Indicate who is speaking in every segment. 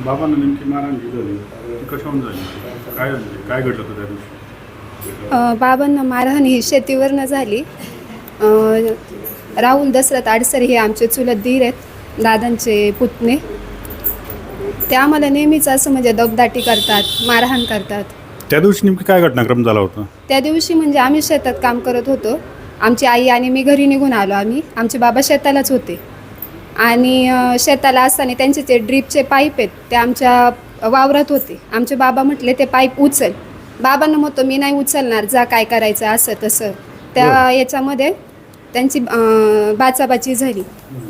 Speaker 1: बाबांना नेमकी मारहाण जी झाली ती कशाहून झाली, काय झाली, काय घडलं होतं त्या दिवशी?
Speaker 2: बाबांना मारहाण ही शेतीवरनं झाली. राहुल दशरथ आडसर हे आमचे चुलत दीर आहेत, दादांचे पुतणे. ते आम्हाला नेहमीच असं म्हणजे दबदाटी करतात, मारहाण करतात.
Speaker 1: त्या दिवशी नेमकी काय घटनाक्रम झाला होता?
Speaker 2: त्या दिवशी म्हणजे आम्ही शेतात काम करत होतो. आमची आई आणि मी घरी निघून आलो. आमचे बाबा शेतालाच होते आणि शेताला असताना त्यांचे ते ड्रीपचे पाईप आहेत ते आमच्या वावरात होते. आमचे बाबा म्हटले ते पाईप उचल. बाबांना म्हणतो मी नाही उचलणार, जा काय करायचं असं तसं. त्या याच्यामध्ये त्यांची बाचाबाची झाली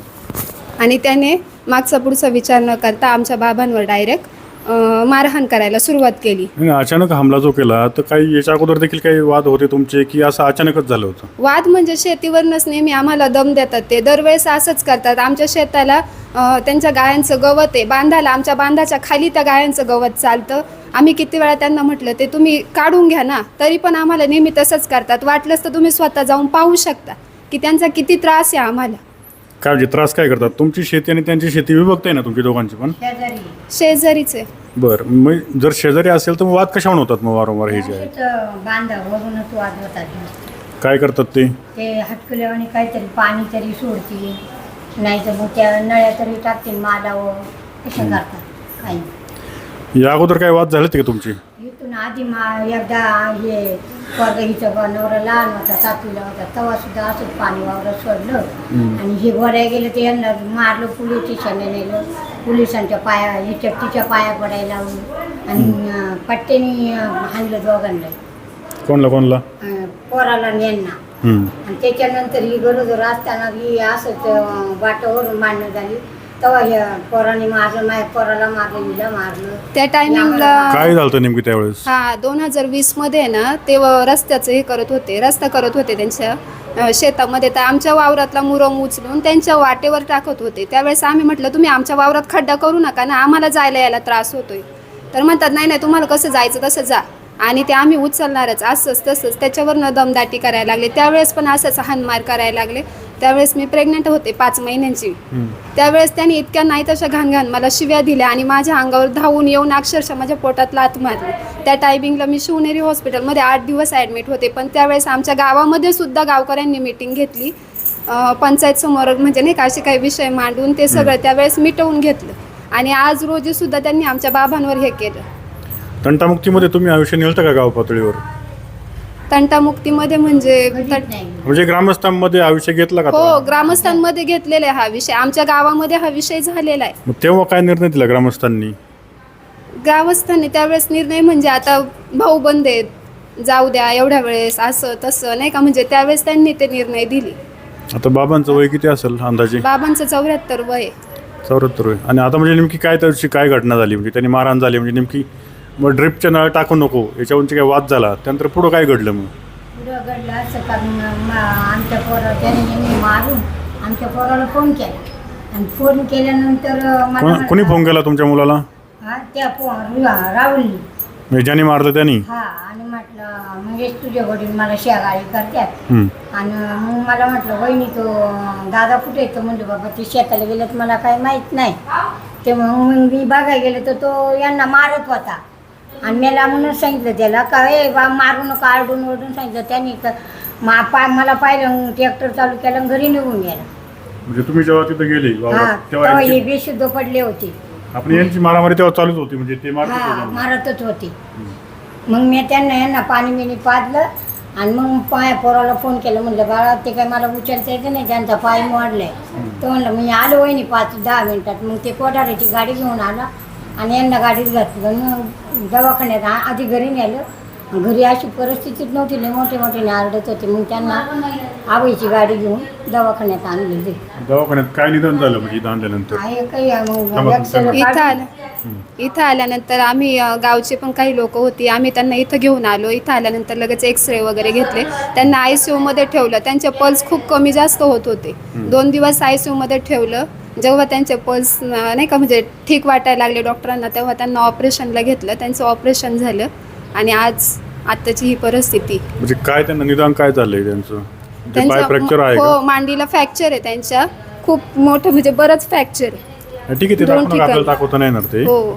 Speaker 2: आणि त्याने मागचा पुढचा विचार न करता आमच्या बाबांवर डायरेक्ट मारहाण करायला सुरुवात केली.
Speaker 1: अचानक हमला जो केला तर काही याच्या अगोदर देखील काही वाद होते तुमचे की असं अचानकच झालं होतं?
Speaker 2: वाद म्हणजे शेतीवरनंच नेहमी आम्हाला दम देतात. ते दरवेळेस असंच करतात. आमच्या शेताला त्यांच्या गायांचं गवत आहे, बांधाला आमच्या बांधाच्या खाली त्या गायांचं गवत चालतं. आम्ही किती वेळा त्यांना म्हटलं ते तुम्ही काढून घ्या ना, तरी पण आम्हाला नेहमी तसंच करतात. वाटलंच तर तुम्ही स्वतः जाऊन पाहू शकता की त्यांचा किती त्रास आहे आम्हाला.
Speaker 1: काय म्हणजे त्रास काय करतात? तुमची शेती आणि त्यांची शेती विभक्त आहे ना तुमची दोघांची पण?
Speaker 2: शेजारीच आहे.
Speaker 1: बरं, मग जर शेजारी असेल तर मग वाद कशाहून होतात मग वारंवार हे जे आहे?
Speaker 3: बांधावरूनच वाद होतात.
Speaker 1: काय करतात ते?
Speaker 3: ते हटकल्यावानी काहीतरी पाणी तरी सोडतील, नाही तर मग त्या नळ्या तरी टाकतील मालावर, कसं करतात काही.
Speaker 1: या अगोदर काय वाद झालेत का तुमची?
Speaker 3: इथून आधी एकदा हे परगाईचं नवरा लहान होता, 7वीला होता, तेव्हा सुद्धा असंच पाणी वावरात सोडलं आणि हे गोऱ्या गेलं ते यांना मारलं, पोलीस स्टेशनला नेलं. पोलिसांच्या पाया हे चट्टीच्या पाया पडायला लावून आणि पट्ट्याने हाणलं दोघांना.
Speaker 1: कोणला?
Speaker 3: पोराला आणि यांना. आणि त्याच्यानंतर ही गरोदर असताना ही असंच वाटावरून मांडणं झाली. तेव्हा ह्या पोराने मारलं, माझ्या पोराला मारलं, हिला मारलं.
Speaker 2: त्या टायमिंगला
Speaker 1: काय झालं होतं नेमकी त्यावेळेस?
Speaker 2: 2020 मध्ये ना ते रस्त्याचं हे करत होते, रस्ता करत होते त्यांच्या शेतामध्ये. तर आमच्या वावरातला मुरम उचलून त्यांच्या वाटेवर टाकत होते. त्यावेळेस आम्ही म्हटलं तुम्ही आमच्या वावरात खड्डा करू नका ना, आम्हाला जायला यायला त्रास होतोय. तर म्हणतात नाही नाही तुम्हाला कसं जायचं तसं जा, आणि ते आम्ही उचलणारच असंच तसंच. त्याच्यावरनं दमदाटी करायला लागले. त्यावेळेस पण असंच हाणमार करायला लागले. त्यावेळेस मी प्रेग्नंट होते 5 महिन्यांची. त्यावेळेस त्यांनी इतक्या नाही तशा घाण मला शिव्या दिल्या आणि माझ्या अंगावर धावून येऊन अक्षरशः माझ्या पोटात लाथ मारली. त्या टायमिंगला मी शिवनेरी हॉस्पिटलमध्ये 8 दिवस ॲडमिट होते. पण त्यावेळेस आमच्या गावामध्ये सुद्धा गावकऱ्यांनी मिटिंग घेतली, पंचायत समोर म्हणजे नाही का असे काही विषय मांडून ते सगळं त्यावेळेस मिटवून घेतलं. आणि आज रोजी सुद्धा त्यांनी आमच्या बाबांवर हे केलं.
Speaker 1: तंटामुक्तीमध्ये तुम्ही आयुष्य नेलतं का गाव पातळीवर?
Speaker 2: तंटामुक्तीमध्ये
Speaker 1: म्हणजे ग्रामस्थांमध्ये आयुष्य घेतला का?
Speaker 2: हो, ग्रामस्थांमध्ये घेतलेला आहे हा विषय. आमच्या गावामध्ये हा विषय झालेला आहे.
Speaker 1: मग तेव्हा काय निर्णय दिला ग्रामस्थांनी?
Speaker 2: ग्रामस्थांनी त्यावेळेस निर्णय म्हणजे आता भाऊ बंद आहेत, जाऊ द्या एवढ्या वेळेस असं तसं नाही का, म्हणजे त्यावेळेस त्यांनी ते निर्णय दिले.
Speaker 1: आता बाबांचं वय किती असेल अंदाजे?
Speaker 2: बाबांचं 74 वय आहे.
Speaker 1: 74 वय. आणि आता म्हणजे नेमकी काय त्याची काय घटना झाली? म्हणजे त्यांनी मारहाण झाली म्हणजे नेमकी मग ड्रिपच्या नळ टाकू नको याच्यावरची काय वाद झाला, त्यानंतर पुढं काय घडलं? मग
Speaker 3: पुढं घडलं असं कारण आमच्या पोरा त्याने मारून आमच्या पोराला फोन केला आणि फोन केल्यानंतर
Speaker 1: कोणी फोन केला तुमच्या मुलाला?
Speaker 3: त्या राहुलनी,
Speaker 1: म्हणजे ज्यांनी मारलं त्यांनी?
Speaker 3: हा. आणि म्हटलं म्हणजे तुझ्या वडील मला शेगाळी करतात. आणि मग मला म्हटलं वहिनी तो दादा कुठे येतो? म्हणलं बाबा ते शेताला गेलं तर मला काही माहीत नाही. ते मग मी बघायला गेलं तर तो यांना मारत होता आणि मला म्हणून सांगितलं त्याला का ए बा मारू नका, आरडून ओरडून सांगितलं त्यांनी. तर मला पाहिलं, ट्रॅक्टर चालू केलं, घरी निघून गेला.
Speaker 1: म्हणजे तुम्ही जेव्हा तिथे गेले
Speaker 3: तेव्हा हे बेशुद्ध पडले होते.
Speaker 1: आपण यांची मारामारी तेव्हा चालूच होती, म्हणजे ते
Speaker 3: मारतच होते. मग मी यांना पाणी बिणी पाजलं आणि मग पोराला फोन केला. म्हणलं बाळा ते काय मला उचलता येतं नाही, त्यांचा पाय मोडलाय. तो म्हणलं मी आलो वहिनी 5-10 मिनिटात. मग ते कोठाऱ्याची गाडी घेऊन आला आणि यांना गाडीत घातलं. मग दवाखान्यात आधी घरी नेलं. घरी अशी परिस्थितीच नव्हती, लय मोठे आरडत होते. मग त्यांना आबाईची गाडी घेऊन दवाखान्यात आणले.
Speaker 1: दवाखान्यात काय निदान झालं म्हणजे आणल्यानंतर?
Speaker 2: इथं आल्यानंतर आम्ही गावचे पण काही लोक होती, आम्ही त्यांना इथं घेऊन आलो. इथं आल्यानंतर लगेच एक्सरे वगैरे घेतले. त्यांना ICU मध्ये ठेवलं. त्यांचे पल्स खूप कमी जास्त होत होते. 2 दिवस ICU मध्ये ठेवलं. जेव्हा त्यांचे पल्स नाही का म्हणजे ठीक वाटायला लागले डॉक्टरांना, तेव्हा त्यांना ऑपरेशनला घेतलं. त्यांचं ऑपरेशन झालं आणि आताची ही परिस्थिती.
Speaker 1: म्हणजे काय त्यांना निदान काय झालंय त्यांचं? पाय फ्रॅक्चर आहे?
Speaker 2: हो, मांडीला फ्रॅक्चर आहे त्यांच्या, खूप मोठं म्हणजे बरंच फ्रॅक्चर आहे.
Speaker 1: ठीक आहे, ते
Speaker 2: 2
Speaker 1: दाखवून
Speaker 2: ठिकाणी.
Speaker 1: आपल्याला दाखवता नाही येणार ते.
Speaker 2: हो.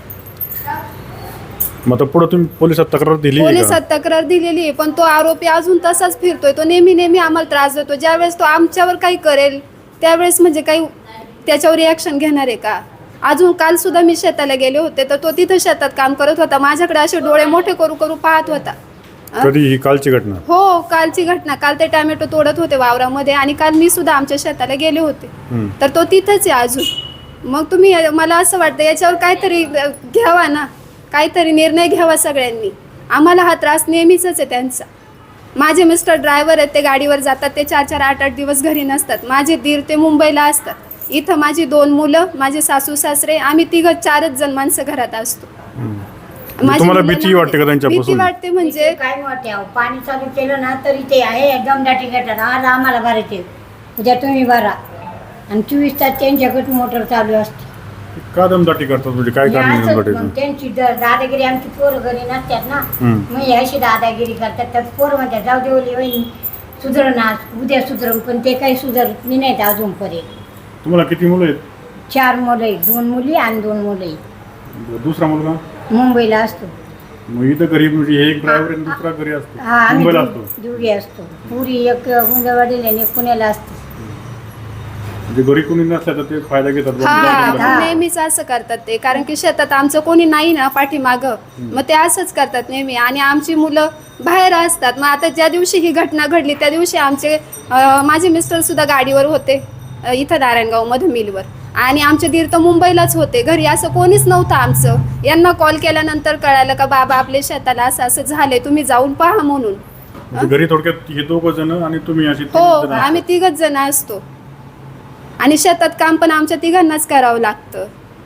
Speaker 1: मग आता पुढे तुम्ही पोलिसात तक्रार दिली आहे का?
Speaker 2: पोलिसात तक्रार दिलेली आहे, पण तो आरोपी अजून तसाच फिरतोय. तो नेहमी आम्हाला त्रास देतो. ज्यावेळेस तो आमच्यावर काही करेल त्यावेळेस म्हणजे काही त्याच्यावर रिॲक्शन घेणार आहे का? अजून काल सुद्धा मी शेताला गेले होते, तर तो तिथं शेतात काम करत होता. माझ्याकडे असे डोळे मोठे करू करू पाहत होता.
Speaker 1: कधी ही कालची घटना?
Speaker 2: हो, कालची घटना. काल ते टॅमॅटो तोडत होते वावरामध्ये आणि काल मी सुद्धा आमच्या शेताला गेले होते. तर तो तिथंच आहे अजून. मग तुम्ही, मला असं वाटतं याच्यावर काहीतरी घ्यावा ना, काहीतरी निर्णय घ्यावा सगळ्यांनी. आम्हाला हा त्रास नेहमीच आहे त्यांचा. माझे मिस्टर ड्रायव्हर आहेत, ते गाडीवर जातात, ते 4-4, 8-8 दिवस घरी नसतात. माझे दीर ते मुंबईला असतात. इथं माझी 2 मुलं, माझे सासू सासरे, आम्ही 3-4च जण माणसं घरात असतो. माझी
Speaker 1: तुम्हाला
Speaker 2: मुलं
Speaker 1: भीती
Speaker 2: लहान
Speaker 1: वाटते का
Speaker 2: आहेत.
Speaker 1: त्यांच्यापासून?
Speaker 2: भीती वाटते म्हणजे
Speaker 3: काय वाटते अहो, पाणी चालू केलं ना तरी ते आहे दमदाटी करतात. आज आम्हाला भरायचे, उद्या तुम्ही भरा, आणि 24 तास त्यांच्याकडे मोटर चालू असते.
Speaker 1: का दमदाटी करतात म्हणजे काय
Speaker 3: हे
Speaker 1: कारण आहे
Speaker 3: असंच
Speaker 1: दमदाटीचं?
Speaker 3: मग त्यांची दादागिरी, आमची पोरं घरी नसतात ना, मग हे अशी दादागिरी करतात. तर पोरं म्हणतात जाऊ दे ओली वहिनी सुधरणार, उद्या सुधरण, पण ते काही सुधरत नाहीत अजूनपर्यंत.
Speaker 1: तुम्हाला किती मुलं आहेत?
Speaker 3: 4 मुलं आहेत, 2 मुली आणि 2 मुलं आहेत.
Speaker 1: दुसरा मुलगा
Speaker 3: मुंबईला असतो.
Speaker 1: मग इथं घरी म्हणजे हे एक ड्रायव्हर आणि दुसरा घरी असतो,
Speaker 3: हा, आम्ही
Speaker 1: मुंबईला असतो.
Speaker 3: दोघी असतो. पुरी एक गुंजवाडीला आणि एक पुण्याला असते.
Speaker 1: म्हणजे घरी कोणी नसल्या तर ते फायदा घेतात बुवा.
Speaker 2: हा, नेहमीच असं करतात ते. कारण की शेतात आमचं कोणी नाही ना पाठीमागं, मग ते असंच करतात नेहमी. आणि आमची मुलं बाहेर असतात. मग आता ज्या दिवशी ही घटना घडली त्या दिवशी माझे मिस्टर सुद्धा गाडीवर होते इथं नारायणगावमध्ये मिलवर, आणि आमचे दीर तर मुंबईलाच होते. घरी असं कोणीच नव्हतं आमचं. यांना कॉल केल्यानंतर कळालं का बाबा आपल्या शेताला असं असं झालंय, तुम्ही जाऊन पहा म्हणून.
Speaker 1: म्हणजे घरी थोडक्यात हे 2 जण आणि तुम्ही अशी 3
Speaker 2: हो,
Speaker 1: जण
Speaker 2: आम्ही 3च जण असतो. आणि शेतात काम पण आमच्या 3घांनाच करावं लागतं.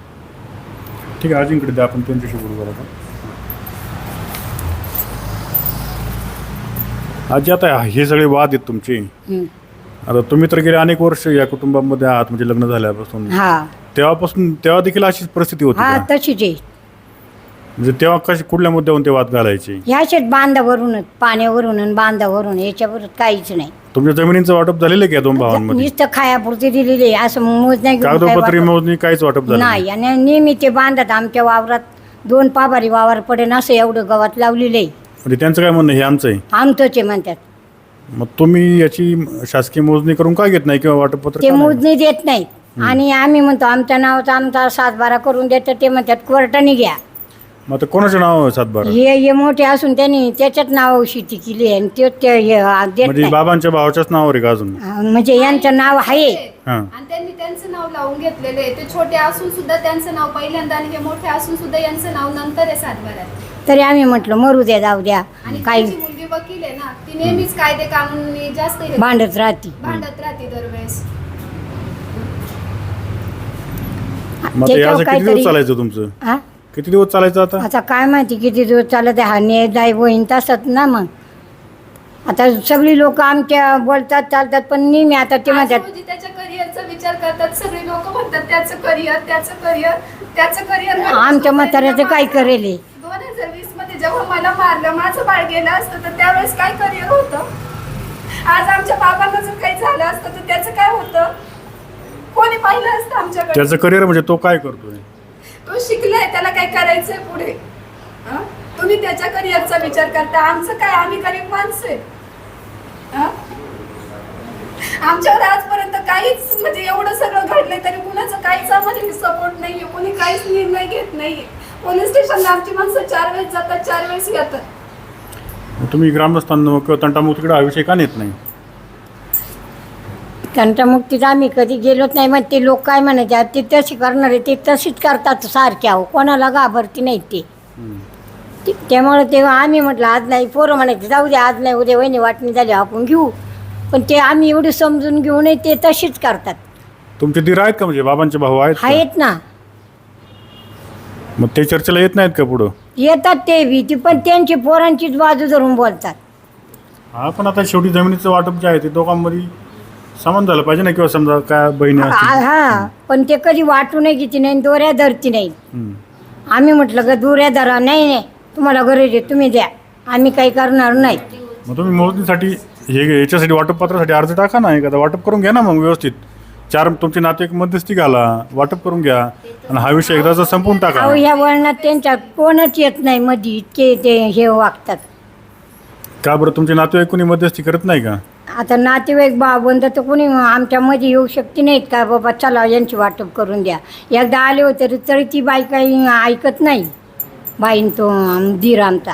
Speaker 1: ठीक आहे, आजींकडे द्या, आपण त्यांच्याशी बोलू बरं. आजी, आता हे सगळे वाद आहेत तुमचे. आता तुम्ही तर गेले अनेक वर्ष या कुटुंबामध्ये आहात, म्हणजे लग्न झाल्यापासून.
Speaker 3: हा
Speaker 1: तेव्हा देखील अशीच परिस्थिती होती
Speaker 3: हा,
Speaker 1: का?
Speaker 3: तशीच आहे.
Speaker 1: म्हणजे तेव्हा कुठल्या मुद्द्यावरून ते वाद घालायचे?
Speaker 3: ह्याच्यात बांधावरूनच, पाण्यावरून आणि बांधावरून, याच्यावर काहीच नाही.
Speaker 1: तुमच्या जमिनीचं वाटप झालेलं आहे का या 2 भावांमध्ये?
Speaker 3: नुसतं खायापुरती दिलेली आहे, असं मोज नाही घेऊन काय
Speaker 1: कागदोपत्री
Speaker 3: वाटप
Speaker 1: मोजणी काहीच वाटप झालं
Speaker 3: नाही. आणि नेहमी ते बांधत आमच्या वावरात 2 पाभारी वावर पडेन असं एवढं गवत लावलेलं आहे.
Speaker 1: म्हणजे त्यांचं काय म्हणणं, हे आमचं आहे?
Speaker 3: आमचंच आहे म्हणतात.
Speaker 1: मग तुम्ही याची शासकीय मोजणी करून का घेत नाही किंवा वाटपपत्र
Speaker 3: ते
Speaker 1: का नाही?
Speaker 3: मोजणी देत नाहीत. आणि आम्ही म्हणतो आमच्या नावाचा आमचा 7-12 करून देतं, ते म्हणतात कोर्टाने घ्या.
Speaker 1: मग आता कोणाचं नाव आहे 7-12?
Speaker 3: हे मोठे असून त्यांनी त्याच्यात नाव शेती केली आहे, आणि ते देत
Speaker 1: म्हणजे
Speaker 3: नाही.
Speaker 1: बाबांच्या भावाच्याच नावावर आहे का अजून?
Speaker 3: म्हणजे यांचं नाव आहे.
Speaker 1: हां.
Speaker 2: आणि त्यांनी त्यांचं नाव लावून घेतलेलं आहे. ते छोटे असून सुद्धा त्यांचं नाव पहिल्यांदा, आणि हे मोठे असून सुद्धा यांचं नाव नंतर आहे 7-12.
Speaker 3: तरी आम्ही म्हटलं मरू द्या, जाऊ द्या,
Speaker 2: आणि
Speaker 3: काही
Speaker 2: त्यांची मुलगी वकील आहे ना, ती नेहमीच कायदे कानून जास्त
Speaker 3: भांडत राहते.
Speaker 2: भांडत राहते दरवेळेस.
Speaker 1: मग आता
Speaker 3: त्याच्यावर
Speaker 1: याचं किती दिवस
Speaker 3: काहीतरी-
Speaker 1: चालायचं तुमचं?
Speaker 3: हा,
Speaker 1: किती दिवस चालायचं आता?
Speaker 3: आता काय माहिती किती दिवस चालत आहे. हा न्याय होईन तसंच ना. मग आता सगळी लोक आमच्या बोलतात चालतात, पण नेहमी आता ते म्हणतात
Speaker 2: म्हणजे त्याच्या करिअरचा विचार करतात. सगळे लोक म्हणतात त्याचं करिअर, त्याचं करिअर, त्याचं करिअर.
Speaker 3: आमच्या म्हाताऱ्याचं काय करेल हे?
Speaker 2: 2020 मध्ये जेव्हा मला मारलं, माझं बाळ गेलं असतं तर त्यावेळेस काय करिअर होतं? आज आमच्या बाबांना जर काही झालं असतं तर त्याचं काय होतं? कोणी पाहिलं असतं आमच्याकडे?
Speaker 1: त्याचं करिअर म्हणजे तो काय करतोय?
Speaker 2: तो शिकलाय, त्याला काय करायचंय पुढे. हं? तुम्ही त्याच्या करिअरचा विचार करता, आमचं काय? आम्ही गरीब माणसं आहे. हं? आमच्यावर आजपर्यंत काहीच, म्हणजे एवढं सगळं घडलंय तरी कुणाचं काहीच आम्हाला सपोर्ट नाहीये. कोणी काहीच निर्णय घेत नाहीये. पोलीस स्टेशनला आमची माणसं 4 वेळेस जातात, 4 वेळेस येतात.
Speaker 1: मग तुम्ही ग्रामस्थांना किंवा तंटामुक्तीकडे हा विषय का नेत नाही?
Speaker 3: तंटामुक्तीत आम्ही कधी गेलोच नाही. मग ते लोक काय म्हणायचे, ते तशी करणार आहे, ते तशीच करतात सारख्या. हो, कोणाला घाबरती नाही ते. त्यामुळे तेव्हा आम्ही म्हटलं आज नाही. पोरं म्हणायचे जाऊ दे, आज नाही, उद्या वहिनी वाटणी झाली आपण घेऊ. पण ते आम्ही एवढे समजून घेऊ नये, ते तशीच करतात.
Speaker 1: तुमचे दीर आहेत का, म्हणजे बाबांचे भाऊ आहेत का?
Speaker 3: आहेत ना.
Speaker 1: मग ते चर्चेला येत नाहीत का पुढं?
Speaker 3: येतात ते भीती, पण त्यांची पोरांचीच बाजू धरून बोलतात.
Speaker 1: हा, पण आता शेवटी जमिनीचं वाटप जे आहे ते दोघांमध्ये समान झालं पाहिजे ना, किंवा समजा काय बहिणी असतील.
Speaker 3: हा, पण ते कधी वाटू नाही किती नाही, दोऱ्या धरती नाही. आम्ही म्हटलं का दोऱ्या धरा, नाही तुम्हाला गरज आहे तुम्ही द्या, आम्ही काही करणार नाही.
Speaker 1: मग तुम्ही मोजणीसाठी याच्यासाठी वाटप पत्रासाठी अर्ज टाका ना, एखादा वाटप करून घ्या ना मग व्यवस्थित. 4 तुमचे नातेवाईक मध्यस्थी घाला, वाटप करून घ्या आणि हा विषय एकदाचा संपून टाका.
Speaker 3: अहो ह्या वळणात त्यांच्या कोणच येत नाही मध्ये, इतके ते हे वागतात.
Speaker 1: का बरं तुमचे नातेवाईक कोणी मध्यस्थी करत नाही का?
Speaker 3: आता नातेवाईक बंद तर कोणी आमच्यामध्ये येऊ शकते नाहीत का, बाबा चला यांची वाटप करून द्या. एकदा आले होते तरी ती बाई काही ऐकत नाही, बाईन तो धीर आमचा.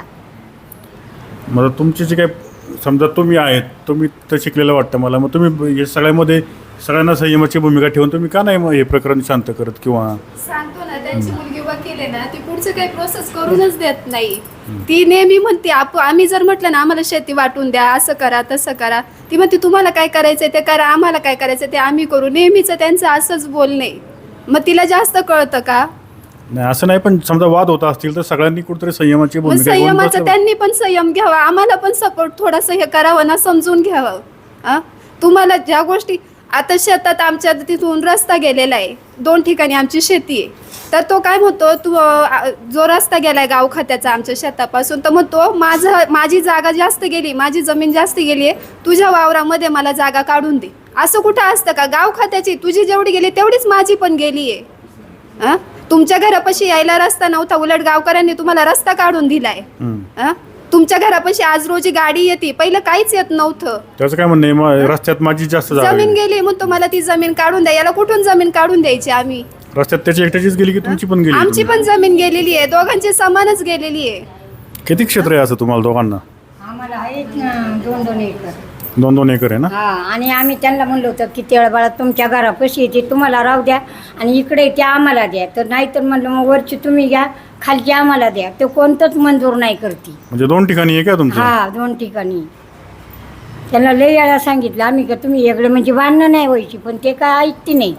Speaker 1: मग तुमची जी काय समजा तुम्ही आहेत, तुम्ही तर शिकलेलं वाटतं मला, मग तुम्ही हे सगळ्यामध्ये सगळ्यांना संयमाची भूमिका ठेवून तुम्ही का नाही मग हे प्रकरण शांत करत? किंवा
Speaker 2: सांगतो ना, त्यांची मुलगी वकील आहे ना, ती पुढचं काही प्रोसेस करूनच देत नाही. ती नेहमी म्हणते आम्ही जर म्हटलं ना आम्हाला शेती वाटून द्या, असं करा तसं करा, ती म्हणते तुम्हाला काय करायचंय ते करा, आम्हाला काय करायचं ते आम्ही करू. नेहमीच त्यांचं असंच बोलणे. मग तिला जास्त कळतं का?
Speaker 1: नाही असं नाही, पण समजा वाद होत असतील तर सगळ्यांनी कुठेतरी संयमाची
Speaker 2: मग
Speaker 1: भूमिका घेऊन
Speaker 2: संयमाचं
Speaker 1: बसलं.
Speaker 2: त्यांनी पण संयम घ्यावा, आम्हाला पण सपोर्ट थोडंसं हे करावं ना, समजून घ्यावं. तुम्हाला ज्या गोष्टी आता शेतात आमच्या तिथून रस्ता गेलेला आहे, 2 ठिकाणी आमची शेती आहे, तर तो काय म्हणतो जो रस्ता गेलाय गाव खात्याचा आमच्या शेतापासून, तर म्हणतो माझी जागा जास्त गेली, माझी जमीन जास्त गेली आहे, तुझ्या वावरामध्ये मला जागा काढून दे. असं कुठं असतं का? गाव खात्याची तुझी जेवढी गेली तेवढीच माझी पण गेली आहे. तुमच्या घरापाशी यायला रस्ता नव्हता, उलट गावकऱ्यांनी तुम्हाला रस्ता काढून दिलाय. तुमच्या घरापाशी आज रोजी गाडी येते, पहिलं काहीच येत नव्हतं.
Speaker 1: त्याचं काय म्हणणं आहे, मग रस्त्यात माझी जास्त जागा
Speaker 2: जमीन
Speaker 1: गेली.
Speaker 2: गेली म्हणतो मला ती जमीन काढून द्या. याला कुठून जमीन काढून द्यायची आम्ही?
Speaker 1: रस्त्यात त्याची एकट्याचीच गेली की तुमची पण गेली?
Speaker 2: आमची पण जमीन गेलेली आहे, दोघांची समानच गेलेली आहे.
Speaker 1: किती क्षेत्र आहे असं तुम्हाला दोघांना?
Speaker 3: आम्हाला आहेत 2-2 एकर.
Speaker 1: 2-2 एकर आहे ना?
Speaker 3: हा, आणि आम्ही त्यांना म्हणलो होतं की तेळबाळा तुमच्या घरापाशी येते, तुम्हाला राहू द्या आणि इकडे ते आम्हाला द्या. तर नाही तर म्हणलं मग वरची तुम्ही घ्या, खालची आम्हाला द्या. ते कोणतंच मंजूर नाही करते.
Speaker 1: म्हणजे 2 ठिकाणी आहे का तुमचं?
Speaker 3: हा, 2 ठिकाणी. त्यांना लई वेळा सांगितलं आम्ही का तुम्ही वेगळे म्हणजे भांडणं नाही व्हायची, पण ते काय ऐकते नाही.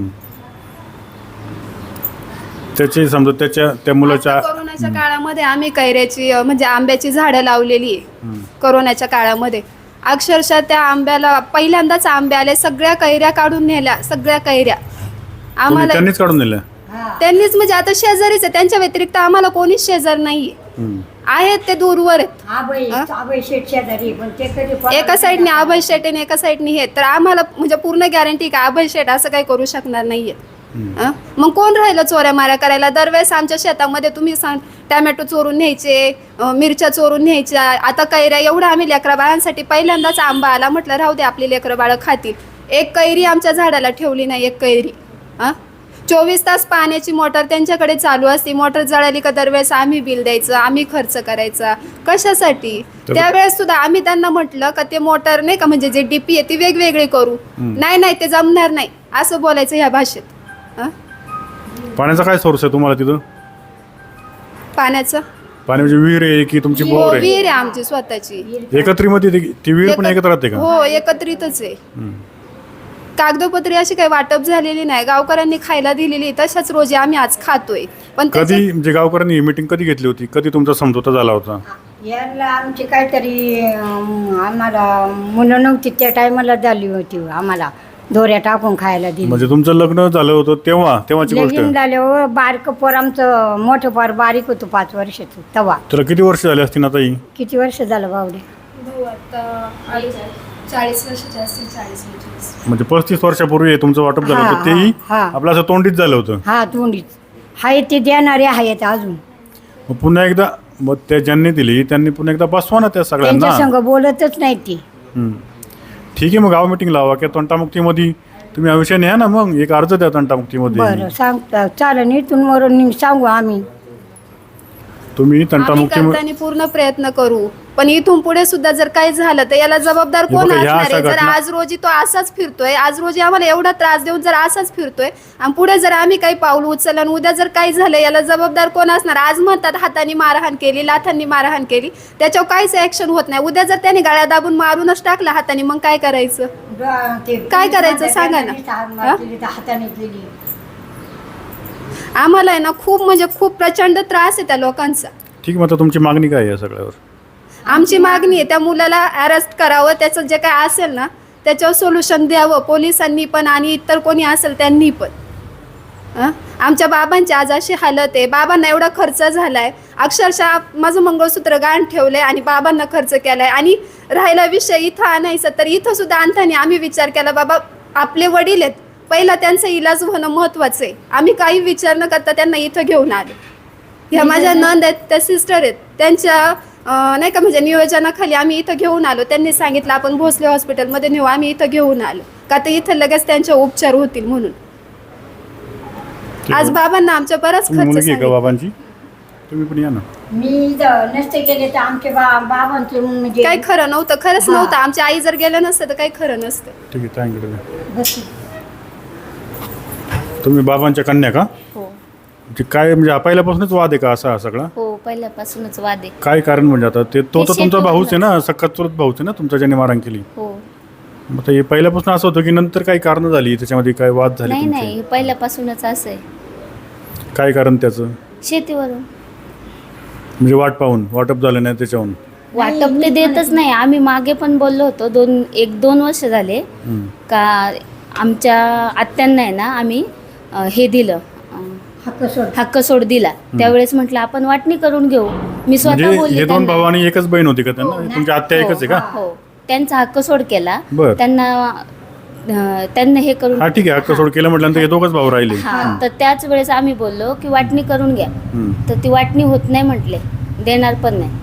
Speaker 1: त्याची समजा त्या मुलाच्या
Speaker 2: आता कोरोनाच्या काळामध्ये आम्ही कैऱ्याची म्हणजे आंब्याची झाडं लावलेली आहे. कोरोनाच्या काळामध्ये अक्षरशः त्या आंब्याला पहिल्यांदाच आंबे आले, सगळ्या कैऱ्या काढून नेल्या, सगळ्या कैऱ्या आम्हाला
Speaker 1: त्यांनीच काढून दिलं.
Speaker 2: त्यांनीच. म्हणजे आता शेजारीच आहे, त्यांच्या व्यतिरिक्त आम्हाला कोणीच शेजार नाहीये. आहेत ते दूरवर आहेत.
Speaker 3: आबाई शेठ शेजारी, पण ते कधी
Speaker 2: एका साईडने अभय शेट आणि एका साईडने हे, तर आम्हाला म्हणजे पूर्ण गॅरंटी का अभय शेट असं काही करू शकणार नाहीये. मग कोण राहिलं चोऱ्या माऱ्या करायला? दरवेळेस आमच्या शेतामध्ये तुम्ही टॅमॅटो चोरून न्यायचे, मिरच्या चोरून न्यायच्या. आता कैऱ्या एवढं आम्ही लेकरा बाळांसाठी पहिल्यांदाच आंबा आला, म्हटलं राहू दे आपली लेकरं बाळं खातील. एक कैरी आमच्या झाडाला ठेवली नाही, एक कैरी. 24 तास पाण्याची मोटर त्यांच्याकडे चालू असते. मोटर जळाली का दरवेळेस आम्ही बिल द्यायचं, आम्ही खर्च करायचा. कशासाठी? त्यावेळेस सुद्धा आम्ही त्यांना म्हटलं का ते मोटर नाही का, म्हणजे जे डीपी आहे ती वेगवेगळी करू. नाही ते जमणार नाही असं बोलायचं ह्या भाषेत.
Speaker 1: पाण्याचा काय सोर्स आहे तुम्हाला तिथं?
Speaker 2: पाण्याचं
Speaker 1: पाणी म्हणजे विहीर आहे की तुमची बोर आहे?
Speaker 2: विहीर आहे आमची स्वतःची.
Speaker 1: एकत्रीमध्ये ती विहीर पण एकत्र राहते का?
Speaker 2: हो, एकत्रितच आहे. कागदोपत्री अशी काही वाटप झालेली नाही, गावकऱ्यांनी खायला दिलेली, तशाच रोजी आम्ही आज खातोय. पण
Speaker 1: कधी म्हणजे गावकऱ्यांनी मीटिंग कधी घेतली होती? कधी तुमचा समझोता झाला होता?
Speaker 3: याला आमची काहीतरी आम्हाला मुलं नव्हती त्या टायमाला झाली होती, आम्हाला दोऱ्या टाकून खायला दिली.
Speaker 1: म्हणजे तुमचं लग्न झालं होतं तेव्हाची गोष्ट?
Speaker 3: लगीन झाल्यावर बारक पोर आमचं, मोठं पोर बारीक होतं 5 वर्षाचं तेव्हा.
Speaker 1: तर किती वर्ष झाली असतील आता ही?
Speaker 3: किती वर्ष झालं बावडे?
Speaker 2: 40 वर्षाचे असतील, 40-45.
Speaker 1: म्हणजे 35 वर्षापूर्वी तुमचं वाटप झालं होतं, तेही आपलं असं तोंडीत झालं होतं?
Speaker 3: हा, तोंडीच हाय ते देणारे आहेत अजून.
Speaker 1: मग पुन्हा एकदा मग त्या ज्यांनी दिली त्यांनी पुन्हा एकदा बसवा ना त्या
Speaker 3: त्यांच्या
Speaker 1: सगळ्यांना.
Speaker 3: संग बोलतच नाही ती.
Speaker 1: ठीक आहे, मग गाव मिटिंग लावा किंवा तंटामुक्तीमध्ये तुम्ही हा विषय न्या ना, मग एक अर्ज द्या तंटामुक्तीमध्ये.
Speaker 3: बरं सांगता चालेल, इथून मरून सांगू आम्ही.
Speaker 1: तुम्ही
Speaker 2: आम्ही
Speaker 1: तंटामुक्तीमध्ये
Speaker 2: करताना पूर्ण प्रयत्न करू, पण इथून पुढे सुद्धा जर काही झालं तर याला जबाबदार
Speaker 1: हे
Speaker 2: कोण
Speaker 1: बघा, ह्या
Speaker 2: असणार आहे?
Speaker 1: अशा
Speaker 2: जर
Speaker 1: घटना-
Speaker 2: आज रोजी तो असाच फिरतोय, आज रोजी आम्हाला एवढा त्रास देऊन जर असाच फिरतोय आणि पुढे जर आम्ही काही पाऊल उचललं आणि उद्या जर काही झालं, याला जबाबदार कोण असणार? आज म्हणतात हाताने मारहाण केली, लाथांनी मारहाण केली, त्याच्यावर काहीच ऍक्शन होत नाही. उद्या जर त्याने गाळ्या दाबून मारूनच टाकला हाताने, मग काय करायचं? काय करायचं सांगा ना?
Speaker 3: हाताने केली.
Speaker 2: आम्हाला आहे ना खूप म्हणजे खूप प्रचंड त्रास आहे त्या लोकांचा.
Speaker 1: ठीक, मग आता तुमची मागणी काय आहे या सगळ्यावर?
Speaker 2: आमची मागणी आहे त्या मुलाला अरेस्ट करावं, त्याचं जे काय असेल ना त्याच्यावर सोल्युशन द्यावं पोलिसांनी पण आणि इतर कोणी असेल त्यांनी पण. आमच्या बाबांची आज अशी हालत आहे, बाबांना एवढा खर्च झालाय, अक्षरशः माझं मंगळसूत्र गाण ठेवलंय आणि बाबांना खर्च केलाय. आणि राहिला विषय इथं आणायचा, तर इथं सुद्धा आणताना आम्ही विचार केला बाबा आपले वडील आहेत, पहिला त्यांचा इलाज होणं महत्त्वाचं आहे. आम्ही काही विचार न करता त्यांना इथं घेऊन आलो. ह्या माझ्या नंद आहेत, त्या सिस्टर आहेत, त्यांच्या नाही का म्हणजे नियोजनाखाली आम्ही इथं घेऊन आलो. त्यांनी सांगितलं आपण भोसले हॉस्पिटलमध्ये नेऊ, आम्ही इथं घेऊन आलो का तर इथं लगेच त्यांचे उपचार होतील म्हणून. आज बाबांना आमच्या बराच
Speaker 1: तुम्ही
Speaker 2: खर्च
Speaker 1: मुलगी आहे का
Speaker 2: सांगितला.
Speaker 1: बाबांची? तुम्ही पण या ना.
Speaker 3: मी जर नसते गेले तर आमचे बाबांचे म्हणजे
Speaker 2: काही खरं नव्हतं, खरंच
Speaker 3: हा.
Speaker 2: नव्हतं. आमची आई जर गेलं नसतं तर काही खरं नसतं.
Speaker 1: ठीक आहे, थँक्यू.
Speaker 3: बस.
Speaker 1: तुम्ही बाबांच्या कन्या का?
Speaker 4: हो
Speaker 1: म्हणजे काय म्हणजे पहिल्यापासूनच वाद आहे का असा हा सगळा?
Speaker 4: हो पहिल्यापासूनच वाद आहे.
Speaker 1: काय कारण म्हणजे आता ते तो तर तुमचा
Speaker 4: शेतीवर
Speaker 1: भाऊच आहे ना, सख्खा चुलत भाऊच आहे ना तुमच्या, ज्याने मारहाण केली.
Speaker 4: हो
Speaker 1: मग आता हे पहिल्यापासून असं होतं की नंतर काही कारण झाली त्याच्यामध्ये, काय वाद झाले
Speaker 4: नाही
Speaker 1: तुमचे?
Speaker 4: नाही हे पहिल्यापासूनच असं आहे.
Speaker 1: काय कारण त्याचं?
Speaker 4: शेतीवरून
Speaker 1: म्हणजे वाटप झालं नाही त्याच्याहून?
Speaker 4: वाटप ते देतच नाही. आम्ही मागे पण बोललो होतो 2 वर्ष झाले
Speaker 1: हम्म.
Speaker 4: का आमच्या आत्यांना आहे ना आम्ही हे दिलं
Speaker 3: हक्क सोड.
Speaker 4: हक्क सोड दिला. त्यावेळेस म्हटलं आपण वाटणी करून घेऊ. मी स्वतः
Speaker 1: म्हणजे
Speaker 4: बोलले
Speaker 1: हे 2
Speaker 4: त्यांना.
Speaker 1: भाऊ आणि एकच बहीण होती का त्यांना?
Speaker 3: हो,
Speaker 1: तुमची आत्या एकच आहे का?
Speaker 4: हो त्यांचा हक्क सोड केला.
Speaker 1: बर.
Speaker 4: त्यांना हे करून
Speaker 1: हा ठीक आहे, हक्क सोड केलं म्हटल्यानंतर हे 2च भाऊ राहिले.
Speaker 4: हा तर त्याच वेळेस आम्ही बोललो की वाटणी करून घ्या.
Speaker 1: हम्म.
Speaker 4: तर ती वाटणी होत नाही म्हटले, देणार पण नाही.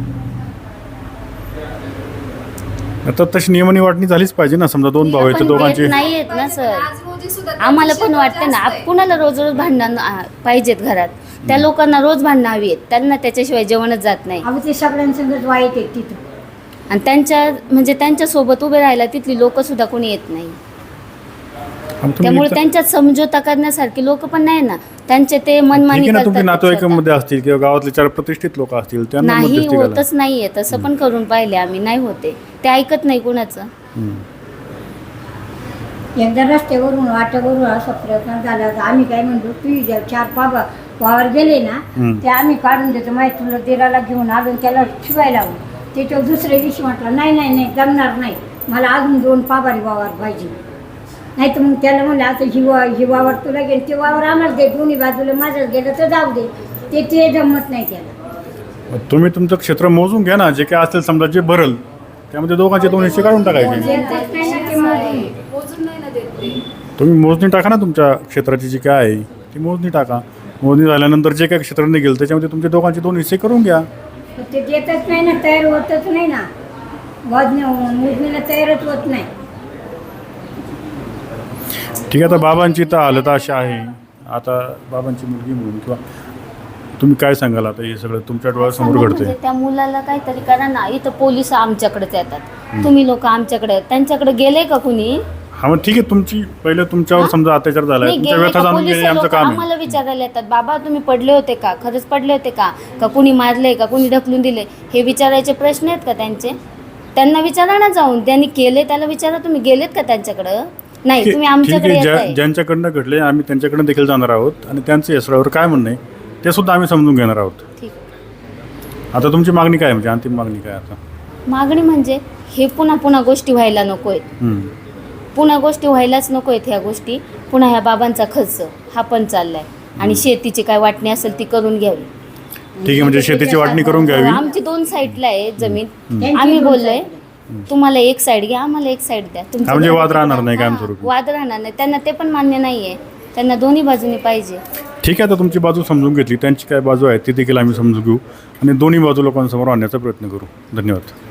Speaker 1: आता तशी नियमाने वाटणी झालीच पाहिजे ना. समजा 2 भाऊ आहेत तर
Speaker 4: पण
Speaker 1: दोघांचे
Speaker 4: देत नाही येत ना सर.
Speaker 2: आज रोजी सुद्धा
Speaker 4: आम्हाला
Speaker 2: त्यांची
Speaker 4: पण वाटतं ना
Speaker 2: जास्त आहे.
Speaker 4: कुणाला रोज रोज भांडण पाहिजेत घरात. त्या लोकांना रोज भांडणं हवी आहेत. त्यांना त्याच्याशिवाय जेवणच जात नाही.
Speaker 3: अहो ते सगळ्यांसंगच वाईट आहे तिथं.
Speaker 4: आणि त्यांच्या सोबत उभे राहायला तिथली लोक सुद्धा कोणी येत नाही.
Speaker 1: आम तुम्ही
Speaker 4: त्यामुळे
Speaker 1: इथं-
Speaker 4: त्यांच्यात समझोता करण्यासारखी लोक पण नाही ना. त्यांचे ते
Speaker 1: ठीक
Speaker 4: मनमानी
Speaker 1: आहे ना, तुमच्या
Speaker 4: करतात
Speaker 1: नातेवाईकांमध्ये असतील किंवा गावातले 4 प्रतिष्ठित लोक असतील, त्यांना
Speaker 4: नाही
Speaker 1: मध्यस्थी घाला.
Speaker 4: होतच नाहीये. तसं पण करून पाहिले आम्ही, नाही होते. ते ऐकत नाही कुणाचं.
Speaker 1: हम्म.
Speaker 3: एकदा रस्त्यावरून वाटावरून असा प्रयत्न झाला होता. आम्ही काय म्हणतो तू 4 बाबा वावर गेले ना
Speaker 1: हम्म.
Speaker 3: ते आम्ही काढून देतो. माहिती तुला दिराला घेऊन आलो त्याला शिवायला लावून. त्याच्यावर दुसऱ्या दिवशी म्हटलं नाही जमणार नाही, मला अजून 2 पाभारी वावर पाहिजे. नाही तर मग त्याला म्हणलं आता ही वावर तुला गेलं ते वावर आम्हाला दे, दोन्ही बाजूला माझं गेलं तर जाऊ दे. ते जमत नाही त्याला.
Speaker 1: मग तुम्ही तुमचं क्षेत्र मोजून घ्या ना. जे काय असेल समजा जे भरल त्यामध्ये दोघांचे 2 हिस्से काढून टाकायचे.
Speaker 2: मोजून नाही ना देत ते.
Speaker 1: तुम्ही मोजणी टाका ना तुमच्या क्षेत्राची जी काय आहे ती मोजणी टाका. मोजणी झाल्यानंतर जे काय क्षेत्र निघेल त्याच्यामध्ये तुमच्या दोघांचे 2 हिस्से करून घ्या.
Speaker 3: पण ते देतच नाही ना, तयार होतच नाही ना. मोजणीला तयारच होत नाही.
Speaker 1: ठीक आहे, आता बाबांची तर हालत अशी आहे. आता बाबांची मुलगी म्हणून किंवा तुम्ही काय सांगाल आता हे सगळं तुमच्या डोळ्यासमोर घडतंय?
Speaker 4: म्हणजे त्या मुलाला काहीतरी करा ना. इथं पोलिस आमच्याकडेच येतात. तुम्ही लोक आमच्याकडे आहेत. त्यांच्याकडे गेले का कुणी?
Speaker 1: हा मग ठीक आहे, तुमची पहिलं तुमच्यावर समजा अत्याचार झालाय,
Speaker 4: नाही,
Speaker 1: तुमच्या
Speaker 4: गेले
Speaker 1: व्यथा
Speaker 4: का
Speaker 1: जाणून
Speaker 4: पोलीस
Speaker 1: घेणे आमचं
Speaker 4: लोक
Speaker 1: काम आहे.
Speaker 4: आम्हाला विचारायला येतात, बाबा तुम्ही पडले होते का, खरंच पडले होते का कुणी मारले का, कुणी ढकलून दिले, हे विचारायचे प्रश्न आहेत का त्यांचे? त्यांना विचारा ना जाऊन. त्यांनी केले त्याला विचारा, तुम्ही गेलेत का त्यांच्याकडं? नाही, तुम्ही
Speaker 1: ठीक
Speaker 4: आमच्याकडे
Speaker 1: आहे,
Speaker 4: येताय.
Speaker 1: ज्यांच्याकडनं घडले आम्ही त्यांच्याकडनं देखील जाणार आहोत आणि त्यांचं यसरावर काय म्हणणं आहे ते सुद्धा आम्ही समजून घेणार आहोत.
Speaker 4: ठीक.
Speaker 1: आता तुमची मागणी काय आहे, म्हणजे अंतिम मागणी काय आता?
Speaker 4: मागणी म्हणजे हे पुन्हा गोष्टी व्हायला नकोय.
Speaker 1: हम्म.
Speaker 4: पुन्हा गोष्टी व्हायलाच नको आहेत. ह्या गोष्टी पुन्हा ह्या बाबांचा खर्च हा पण चाललाय. आणि शेतीची काय वाटणी असेल ती करून घ्यावी.
Speaker 1: ठीक आहे, म्हणजे शेतीची वाटणी करून घ्यावी.
Speaker 4: आमची 2 साईडला आहे जमीन.
Speaker 3: त्यांची
Speaker 4: आम्ही
Speaker 3: 2
Speaker 4: बोललोय
Speaker 3: साईडला.
Speaker 4: तुम्हाला एक साईड घ्या, आम्हाला एक साईड द्या.
Speaker 1: हा, म्हणजे वाद राहणार नाही कायमस्वरूपी.
Speaker 4: वाद राहणार नाही. त्यांना ते पण मान्य नाहीये. त्यांना दोन्ही बाजूनी पाहिजे.
Speaker 1: ठीक आहे, आता तुमची बाजू समजून घेतली, त्यांची काय बाजू आहे ती देखील आम्ही समजून घेऊ आणि दोन्ही बाजू लोकांसमोर आणण्याचा प्रयत्न करू. धन्यवाद.